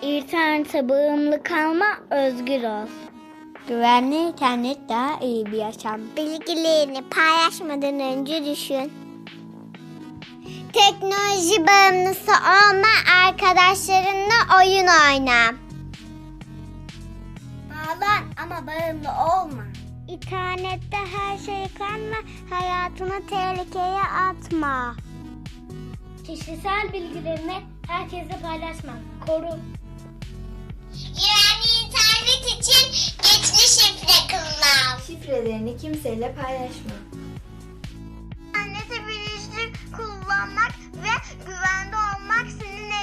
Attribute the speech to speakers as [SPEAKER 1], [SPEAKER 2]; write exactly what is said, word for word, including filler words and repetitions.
[SPEAKER 1] İnternete bağımlı kalma, özgür ol.
[SPEAKER 2] Güvenli internet daha iyi bir yaşam.
[SPEAKER 3] Bilgilerini paylaşmadan önce düşün. Teknoloji bağımlısı olma, arkadaşlarınla oyun oyna. Bağlan ama bağımlı olma. İnternette her şeyi kanma, hayatını tehlikeye atma.
[SPEAKER 1] Kişisel bilgilerini herkesle paylaşma, koru.
[SPEAKER 3] Güvenli internet için geçici şifre kullan.
[SPEAKER 4] Şifrelerini kimseyle paylaşma.
[SPEAKER 3] İnterneti bilinçli kullanmak ve güvende olmak senin